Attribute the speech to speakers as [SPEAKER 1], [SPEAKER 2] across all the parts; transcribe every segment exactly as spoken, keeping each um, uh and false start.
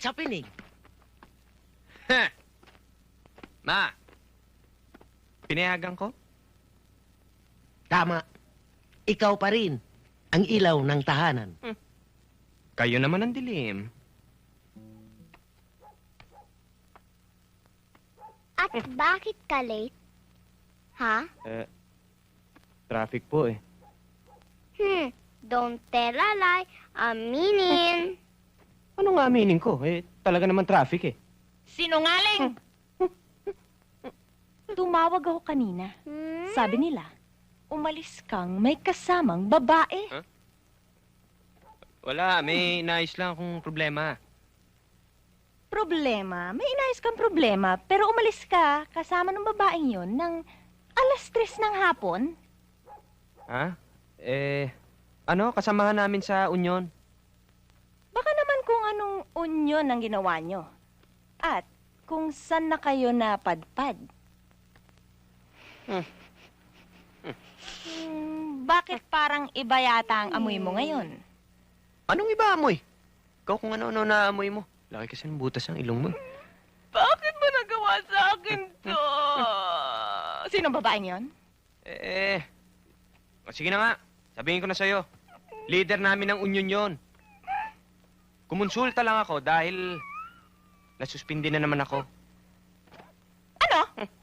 [SPEAKER 1] sa pinig.
[SPEAKER 2] Heh. Ma, pinayagan ko?
[SPEAKER 1] Tama. Ikaw pa rin ang ilaw ng tahanan.
[SPEAKER 2] Kayo naman ang dilim.
[SPEAKER 3] At bakit ka late? Ha?
[SPEAKER 2] Eh, traffic po eh.
[SPEAKER 3] Hmm, don't tell a lie. Aminin.
[SPEAKER 2] Ano nga aminin ko? Eh, talaga naman traffic eh.
[SPEAKER 4] Sinungaling! Tumawag ako kanina.
[SPEAKER 3] Hmm?
[SPEAKER 4] Sabi nila, umalis kang may kasamang babae.
[SPEAKER 2] Wala, may nais lang akong problema.
[SPEAKER 4] Problema? May inayos kang problema, pero umalis ka kasama ng babaeng yon ng alas tres ng hapon.
[SPEAKER 2] Ha? Eh, ano? Kasamahan namin sa Union.
[SPEAKER 4] Baka naman kung anong unyon ang ginawa nyo. At kung saan na kayo napadpad.
[SPEAKER 2] Hmm.
[SPEAKER 4] Hmm, bakit parang iba yata ang amoy mo ngayon?
[SPEAKER 2] Anong iba amoy? Ikaw kung ano-ano na amoy mo. Laki kasi ng butas ang ilong mo.
[SPEAKER 4] Bakit mo nagawa sa akin to? Sino ang babaeng yon?
[SPEAKER 2] Eh, o sige na nga. Sabihin ko na sa'yo. Leader namin ng Union yon. Kumonsulta lang ako dahil nasuspindi na naman ako.
[SPEAKER 4] Ano?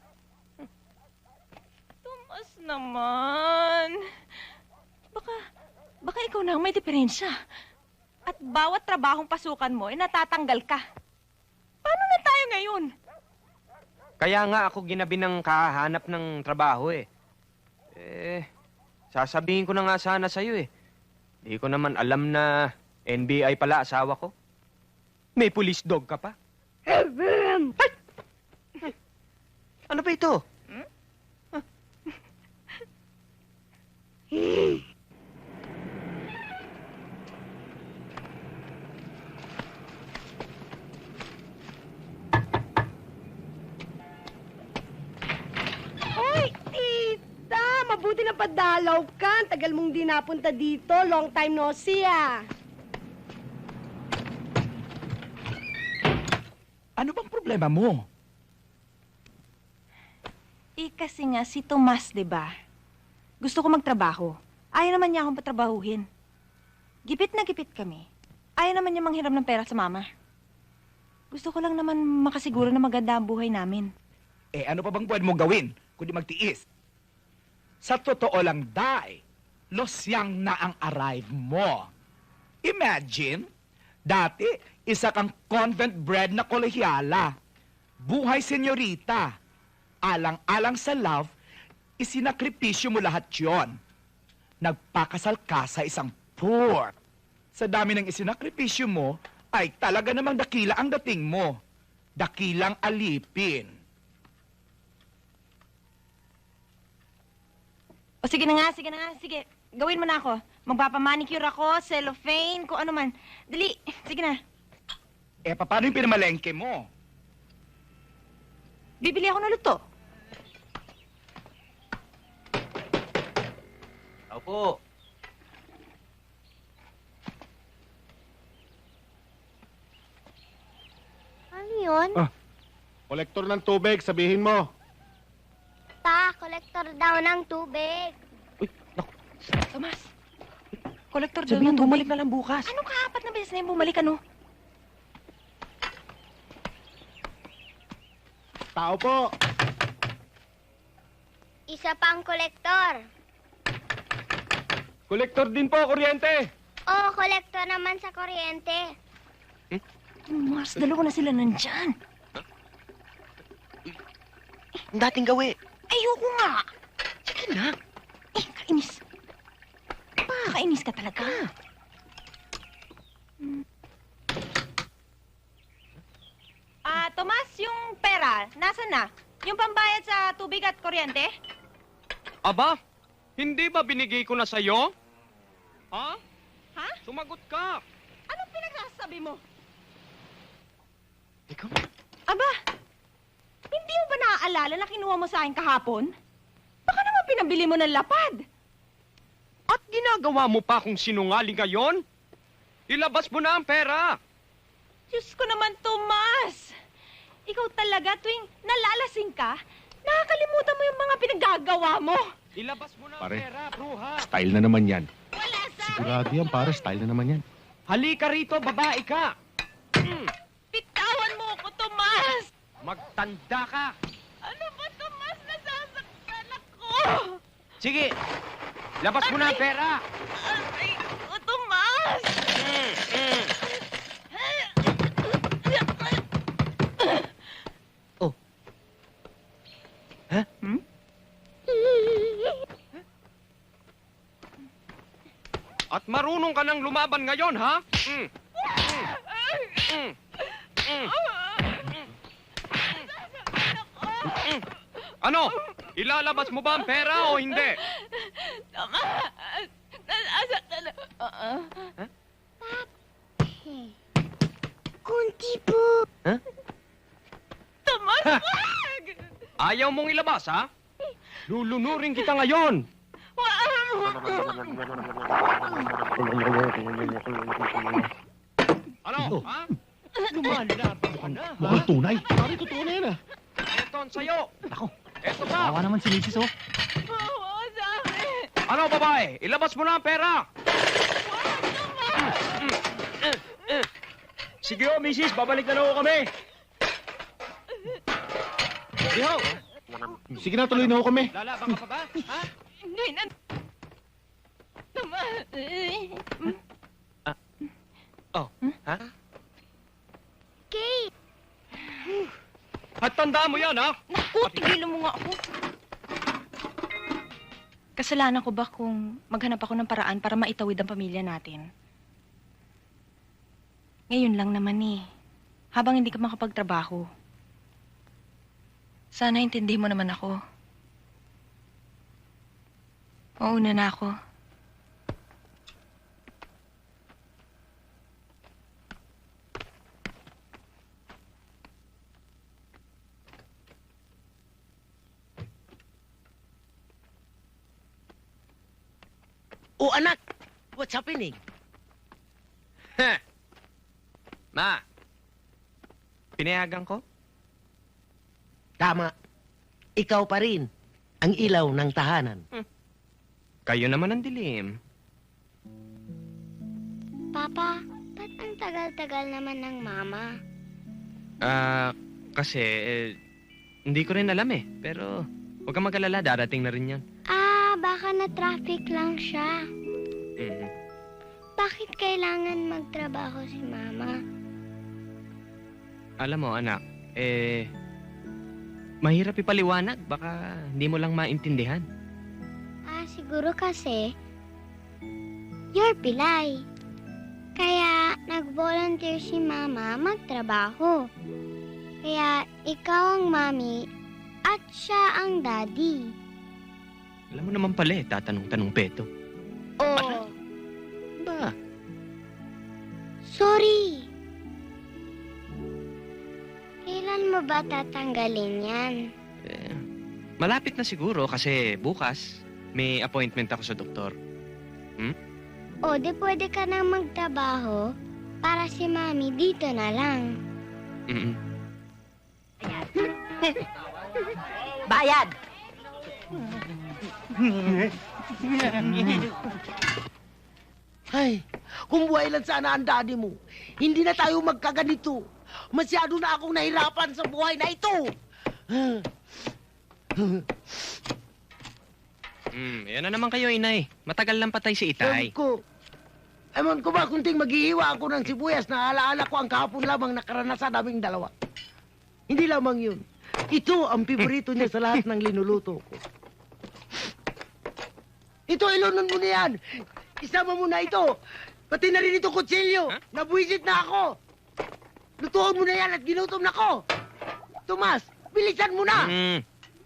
[SPEAKER 4] Tumas naman. Baka, baka ikaw na ang may diferensya. At bawat trabahong pasukan mo, ay natatanggal ka. Paano na tayo ngayon?
[SPEAKER 2] Kaya nga ako ginabi ng kahanap ng trabaho eh. Eh, sasabihin ko na nga sana sa'yo eh. Di ko naman alam na N B I pala asawa ko. May police dog ka pa. Ay! Ano ba ito?
[SPEAKER 4] Hmm?
[SPEAKER 5] Hoy, tita! Mabuti na padalaw ka. Ang tagal mong di napunta dito. Long time no see, ah.
[SPEAKER 6] Ano bang problema mo?
[SPEAKER 4] Eh, kasi nga si Tomas, di ba? Gusto ko magtrabaho. Ayaw naman niya akong patrabahuhin. Gipit na gipit kami. Ayaw naman niya manghiram ng pera sa mama. Gusto ko lang naman makasiguro na maganda ang buhay namin.
[SPEAKER 6] Eh, ano pa bang pwede mong gawin kundi magtiis? Sa totoo lang, Day, losyang na ang arrive mo. Imagine, dati, isa kang convent-bred na kolehyala. Buhay senyorita. Alang-alang sa love, isinakripisyo mo lahat yon. Nagpakasal ka sa isang poor. Sa dami ng isinakripisyo mo, ay talaga namang dakila ang dating mo. Dakilang alipin.
[SPEAKER 4] O sige na nga, sige na nga, sige. Gawin mo na ako. Magpapamanicure ako, cellophane, kung ano man. Dali, sige na.
[SPEAKER 6] Eh, paano yung pinamalengke mo?
[SPEAKER 4] Bibili ako ng luto.
[SPEAKER 2] Opo.
[SPEAKER 3] Ano yun?
[SPEAKER 7] Ah. Kolektor ng tubig, sabihin mo.
[SPEAKER 3] Ta, kolektor daw ng tubig.
[SPEAKER 2] Uy, naku.
[SPEAKER 4] Tomas, kolektor daw
[SPEAKER 2] Sabihin,
[SPEAKER 4] ng tubig.
[SPEAKER 2] bumalik na lang bukas.
[SPEAKER 4] Ano ka? Apat na beses na yung bumalik, ano?
[SPEAKER 7] Tao po.
[SPEAKER 3] Isa pang kolektor.
[SPEAKER 7] Kolektor din po, kuryente.
[SPEAKER 3] Oo, kolektor naman sa kuryente.
[SPEAKER 4] Mas, dalawa na sila nandyan.
[SPEAKER 1] Ang dating gawi.
[SPEAKER 4] Ayoko nga.
[SPEAKER 1] Sige na.
[SPEAKER 4] Eh, kainis. Kainis ka talaga. Ah, Tomas, yung pera, nasan na? Yung pambayad sa tubig at kuryente?
[SPEAKER 2] Aba, hindi ba binigay ko na sa'yo? Ha?
[SPEAKER 4] Ha?
[SPEAKER 2] Sumagot ka.
[SPEAKER 4] Anong pinagsasabi mo?
[SPEAKER 2] Ikaw?
[SPEAKER 4] Aba, hindi mo ba naaalala na kinuha mo sa akin kahapon? Baka naman pinabili mo ng lapad.
[SPEAKER 2] At ginagawa mo pa kung sinungaling ngayon? Ilabas mo na ang pera.
[SPEAKER 4] Diyos ko naman, naman, Tomas! Ikaw talaga, tuwing nalalasing ka, nakakalimutan mo yung mga pinaggagawa mo.
[SPEAKER 2] Ilabas mo na ang
[SPEAKER 7] Pare.
[SPEAKER 2] pera, bruha.
[SPEAKER 7] Style na naman yan.
[SPEAKER 4] Wala sa...
[SPEAKER 7] Sigurado yan, pare. Style na naman yan.
[SPEAKER 2] Halika rito, babae ka. Mm,
[SPEAKER 4] Bitawan mo ako, Tomas!
[SPEAKER 2] magtanda ka.
[SPEAKER 4] Ano ba, Tomas? Nasasaktan ako!
[SPEAKER 2] Sige, labas mo na ang pera.
[SPEAKER 4] Aray ko, Tomas!
[SPEAKER 2] Mm, mm.
[SPEAKER 1] Oh.
[SPEAKER 2] Ha?
[SPEAKER 4] Hmm?
[SPEAKER 2] At marunong ka nang lumaban ngayon, ha? Mm. Mm. Mm. Mm. Mm. Ano? Ilalabas mo ba ang pera o hindi?
[SPEAKER 4] Tomas! Nasasaktan ako. Oo.
[SPEAKER 3] Kunti po.
[SPEAKER 4] Tomas,
[SPEAKER 2] Ha?
[SPEAKER 4] wag!
[SPEAKER 2] Ayaw mong ilabas, ha? Lulunurin kita ngayon. Ano, ha? Lumalaban ka na, ha?
[SPEAKER 7] Mukhang tunay. Pare, totoo na yan ah.
[SPEAKER 2] Eto ang sayo.
[SPEAKER 7] Ako,
[SPEAKER 2] Eto pa.
[SPEAKER 7] naman si Misis oh.
[SPEAKER 4] Oo, sa akin!
[SPEAKER 2] Ano, babae? Ilabas mo na ang pera. Sige ho, misis. Babalik na ho kami. Sige ho.
[SPEAKER 7] Sige na, tuloy na ako kami.
[SPEAKER 2] Lalaban ka pa ba? Ha?
[SPEAKER 4] Hindi na... Tomas!
[SPEAKER 2] Oh, ha?
[SPEAKER 3] Kate,
[SPEAKER 2] At tandaan mo yan, ha?
[SPEAKER 4] Naku, tigilan mo nga ako. Kasalanan ko ba kung maghanap ako ng paraan para maitawid ang pamilya natin? Ngayon lang naman eh. Habang hindi ka makapagtrabaho. Sana intindihin mo naman ako. Mauna na ako.
[SPEAKER 1] Oh, anak! What's happening?
[SPEAKER 2] Ma, pinayagan ko?
[SPEAKER 1] Tama. Ikaw pa rin ang ilaw ng tahanan.
[SPEAKER 2] Kayo naman ang dilim.
[SPEAKER 3] Papa, ba't ang tagal-tagal naman ng mama?
[SPEAKER 2] Ah, kasi, eh, hindi ko rin alam eh. Pero, huwag kang mag-alala, darating na rin yan.
[SPEAKER 3] Ah, baka na-traffic lang siya.
[SPEAKER 2] Mhm.
[SPEAKER 3] Bakit kailangan magtrabaho si mama?
[SPEAKER 2] Alam mo, anak, eh, mahirap ipaliwanag. Baka hindi mo lang maintindihan.
[SPEAKER 3] Ah, siguro kasi, you're Pilay. Kaya nag-volunteer si mama magtrabaho. Kaya ikaw ang mami at siya ang daddy.
[SPEAKER 2] Alam mo naman pala eh, tatanong-tanong peto.
[SPEAKER 3] Oh,
[SPEAKER 2] Ba?
[SPEAKER 3] sorry. Kailan mo ba tatanggalin yan?
[SPEAKER 2] Eh, malapit na siguro kasi bukas may appointment ako sa doktor.
[SPEAKER 3] O, di pwede ka nang magtrabaho para si mami dito na lang.
[SPEAKER 2] Mm-mm.
[SPEAKER 5] Bayad!
[SPEAKER 1] Ay, kung buhay lang sana ang daddy mo, hindi na tayo magkaganito. Masyado na akong nahirapan sa buhay na ito.
[SPEAKER 2] Mm, yan na naman kayo, inay. Matagal lang patay si
[SPEAKER 1] Ewan
[SPEAKER 2] Itay.
[SPEAKER 1] ko. Ewan ko ba kung ting maghihiwa ako ng sibuyas na alaala ko ang kahapon lamang nakaranasan naming dalawa. Hindi lamang yun. Ito ang piborito niya sa lahat ng linuluto ko. Ito, ilunon mo na yan. Isama mo na ito. Pati na rin ito kutsilyo.
[SPEAKER 2] Huh?
[SPEAKER 1] Nabuisit na ako. Lutuon mo na yan at ginutom na ko. Tomas, bilisan mo na.
[SPEAKER 2] Mm.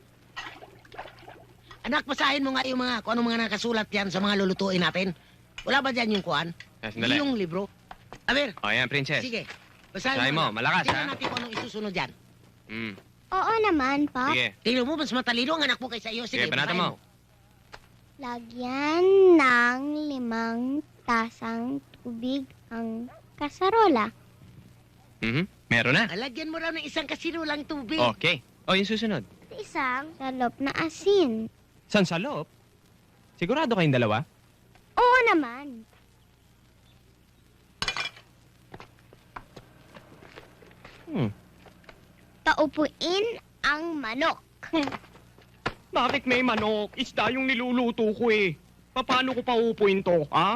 [SPEAKER 1] Anak, basahin mo nga yung mga, kung ano mga nakasulat yan sa mga lulutuin natin. Wala ba dyan yung kuhan?
[SPEAKER 2] Ah, sandali.
[SPEAKER 1] Yung libro? Aber,
[SPEAKER 2] O, yan, princess.
[SPEAKER 1] sige. Basahin
[SPEAKER 2] Basahin mo,
[SPEAKER 1] na.
[SPEAKER 2] malakas,
[SPEAKER 1] Tingnan
[SPEAKER 2] ha?
[SPEAKER 1] natin kung anong isusunod dyan.
[SPEAKER 2] Mm.
[SPEAKER 3] Oo naman, Pop.
[SPEAKER 2] Sige.
[SPEAKER 1] Tingnan mo, mas matalino ang anak mo kaysa iyo. Sige,
[SPEAKER 2] Sige, banatan
[SPEAKER 1] basahin
[SPEAKER 2] mo.
[SPEAKER 3] Lagyan ng limang tasang tubig ang kasarola.
[SPEAKER 2] Mhm. Meron na.
[SPEAKER 1] Alagyan mo raw ng isang kasinulang tubig.
[SPEAKER 2] Okay. O, yung susunod.
[SPEAKER 3] Isang salop na asin.
[SPEAKER 2] San sa loob? Sigurado kayong dalawa?
[SPEAKER 3] Oo naman.
[SPEAKER 2] Hmm.
[SPEAKER 3] Taupuin ang manok.
[SPEAKER 2] Bakit may manok? Isda yung niluluto ko eh. Paano ko paupuin to, ha?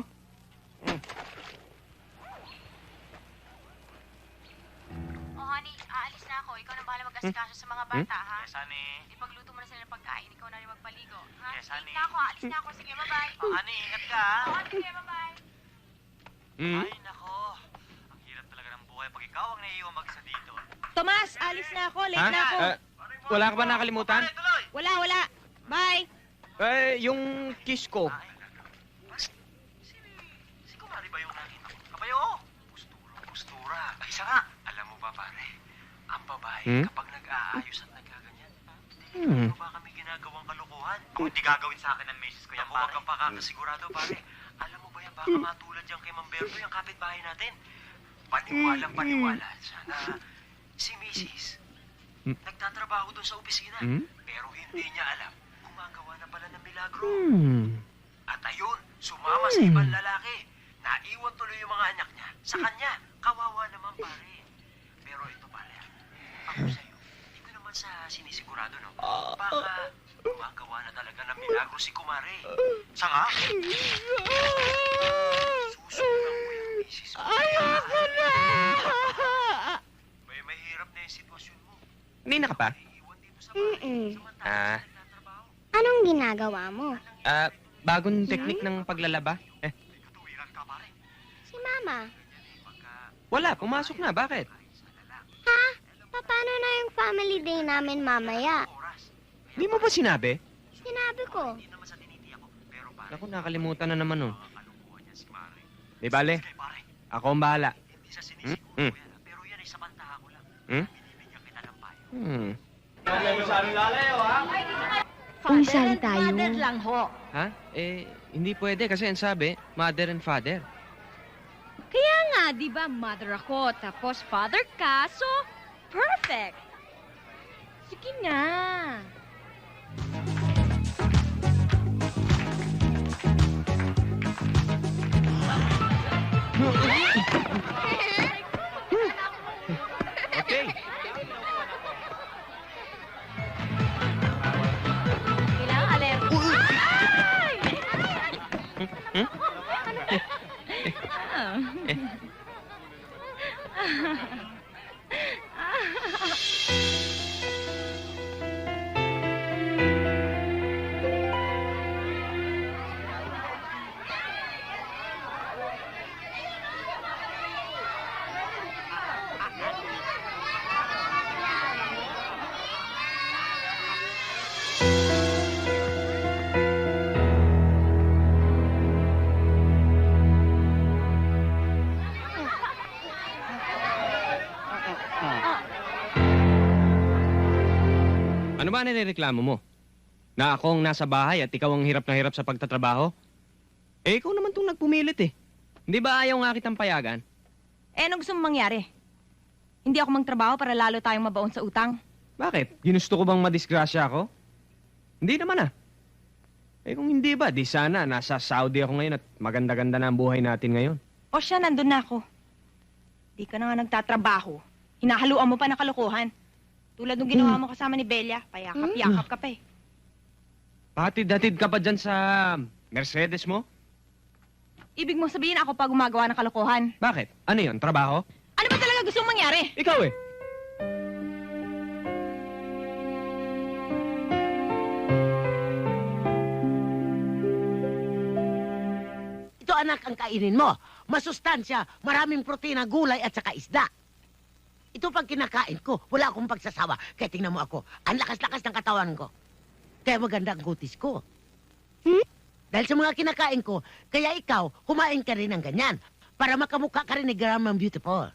[SPEAKER 4] Oh, honey, aalis na ako. Ikaw na bahala mag-asikaso sa mga bata, ha? Yes, honey. Ipagluto mo na sila ng pagkain. Ikaw na rin magpaligo, ha? Yes, honey. na ako, aalis na ako. Sige, bye-bye.
[SPEAKER 8] Oh, honey, ingat ka, ha?
[SPEAKER 4] Oo, sige, bye-bye.
[SPEAKER 2] Hmm?
[SPEAKER 8] Ay, nako. Ang hirap talaga ng buhay pag ikaw ang naiiwan mag-isa dito.
[SPEAKER 4] Tomas, alis na ako. Late
[SPEAKER 2] Ha?
[SPEAKER 4] na ako.
[SPEAKER 2] Ah, wala ka ba nakalimutan?
[SPEAKER 8] Tuloy, tuloy!
[SPEAKER 4] Wala, wala. Bye.
[SPEAKER 2] Eh, yung kiss ko.
[SPEAKER 8] Si, si Kumari ba yung nakita ko? Kabayo, oh. Postura, postura. Ay, isa nga. Alam mo ba, pare? Ang babae,
[SPEAKER 2] Hmm?
[SPEAKER 8] kapag nag-aayos at nagkaganyan,
[SPEAKER 2] Hmm.
[SPEAKER 8] hindi ba kami ginagawang kalokohan? Kung hindi gagawin sa akin ng misis ko yan, pare. Huwag kang pakakasigurado, pare. Alam mo ba yan, baka matulad yan kay Mamberto, yung kapitbahay natin. Paniwalang paniwala. Sana si misis
[SPEAKER 2] Hmm.
[SPEAKER 8] nagtatrabaho doon sa opisina.
[SPEAKER 2] Hmm?
[SPEAKER 8] Pero hindi niya alam, gumagawa na pala ng milagro.
[SPEAKER 2] Hmm.
[SPEAKER 8] At ayun, sumama sa ibang lalaki. Naiwan tuloy yung mga anak niya. Sa kanya, kawawa naman pare. Pero ito pare, ako sa'yo, ito naman sa sinisigurado, no? Baka gumagawa na talaga ng milagro si Kumare. Sa nga? Susunod mo yung misis mo. Ayoko na! May mahirap na yung sitwasyon mo.
[SPEAKER 2] Nina ka pa?
[SPEAKER 8] Naiiwan dito sa bahay.
[SPEAKER 3] Mm-mm.
[SPEAKER 8] Samantala,
[SPEAKER 2] Ah.
[SPEAKER 8] nagtatrabaho.
[SPEAKER 3] Anong ginagawa mo?
[SPEAKER 2] Ah, bagong teknik ng paglalaba? Eh,
[SPEAKER 8] Katuwiran ka pare.
[SPEAKER 3] Si Mama.
[SPEAKER 2] wala. Pumasok na. Bakit?
[SPEAKER 3] Ha? Paano na yung family day namin mamaya?
[SPEAKER 2] Di mo ba sinabi?
[SPEAKER 3] Sinabi ko.
[SPEAKER 2] Naku, nakalimutan na naman, oh. Di bale, ako ang bahala. Hmm? Hmm?
[SPEAKER 8] Pero yan ay samantaha ko lang.
[SPEAKER 2] Hmm?
[SPEAKER 8] Binibigyan kita ng payo.
[SPEAKER 2] Hmm.
[SPEAKER 3] Uy, saan tayo?
[SPEAKER 4] Mother lang ho.
[SPEAKER 2] Ha? Eh, hindi pwede kasi ang sabi, mother and father.
[SPEAKER 9] Kaya nga, di ba, mother ako, tapos father ka, so perfect. Sige na.
[SPEAKER 2] Okay.
[SPEAKER 9] Kailangan alert.
[SPEAKER 2] Ano ba nireklamo mo? Na akong nasa bahay at ikaw ang hirap na hirap sa pagtatrabaho? Eh, ikaw naman tong nagpumilit eh. Hindi ba ayaw nga kitang payagan?
[SPEAKER 4] Eh, anong gusto mong mangyari? Hindi ako magtrabaho para lalo tayong mabaon sa utang.
[SPEAKER 2] Bakit? Ginusto ko bang madisgrasya ako? Hindi naman ah. Eh kung hindi ba, di sana nasa Saudi ako ngayon at maganda-ganda na ang buhay natin ngayon.
[SPEAKER 4] O siya, nandun na ako. Di ka na nga nagtatrabaho. Hinahaluan mo pa ng kalokohan. Tulad nung ginawa mo kasama ni Belia, payakap-yakap ka pa eh.
[SPEAKER 2] Patid-hatid ka pa dyan sa Mercedes mo?
[SPEAKER 4] Ibig mo sabihin ako pa gumagawa ng kalokohan.
[SPEAKER 2] Bakit? Ano yon? Trabaho?
[SPEAKER 4] Ano ba talaga gusto mong mangyari?
[SPEAKER 2] Ikaw eh.
[SPEAKER 1] Ito anak ang kainin mo. Masustansya, maraming protina, gulay at saka isda. Ito pag kinakain ko, wala akong pagsasawa. Kaya tingnan mo ako, ang lakas-lakas ng katawan ko. Kaya maganda ang kutis ko. Hmm? Dahil sa mga kinakain ko, kaya ikaw, kumain ka rin ng ganyan. Para makamukha ka rin ni Grandma Beautiful.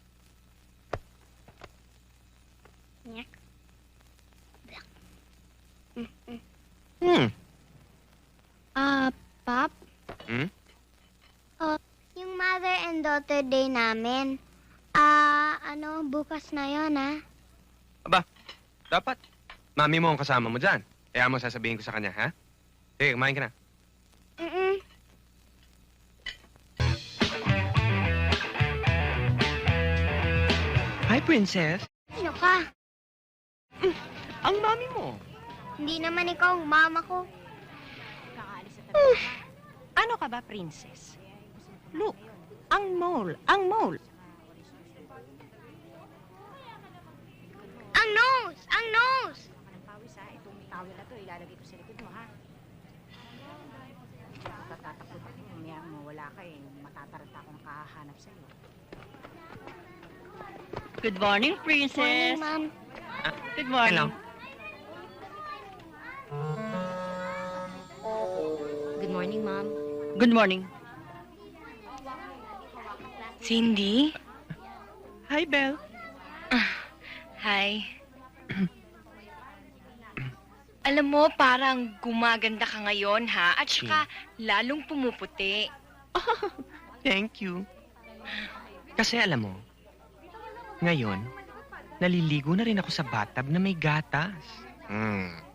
[SPEAKER 2] Hmm.
[SPEAKER 3] Ah, Pap?
[SPEAKER 2] Hmm?
[SPEAKER 3] Oh, yung mother and daughter day namin. Ah, Ano, bukas na yon ah.
[SPEAKER 2] Aba, dapat. Mami mo ang kasama mo dyan. Kaya mo sasabihin ko sa kanya, ha? Sige, kumain ka na.
[SPEAKER 3] Mm-mm.
[SPEAKER 2] Hi, princess.
[SPEAKER 3] Sino ka?
[SPEAKER 2] Ang mami mo.
[SPEAKER 3] Hindi naman ikaw ang mama ko.
[SPEAKER 4] Ano ka ba, princess? Look, ang mole, ang mole.
[SPEAKER 3] Ang nose! Ang nose!
[SPEAKER 9] Good morning,
[SPEAKER 3] Morning,
[SPEAKER 9] princess.
[SPEAKER 3] ma'am.
[SPEAKER 9] Good morning.
[SPEAKER 2] Hello.
[SPEAKER 3] Good morning, ma'am.
[SPEAKER 9] Good morning.
[SPEAKER 10] Cindy?
[SPEAKER 2] Hi, Belle.
[SPEAKER 10] Hi. Alam mo, parang gumaganda ka ngayon, ha? At saka, lalong pumuputi.
[SPEAKER 2] Thank you. Kasi alam mo, ngayon, naliligo na rin ako sa bathtub na may gatas. Hmm.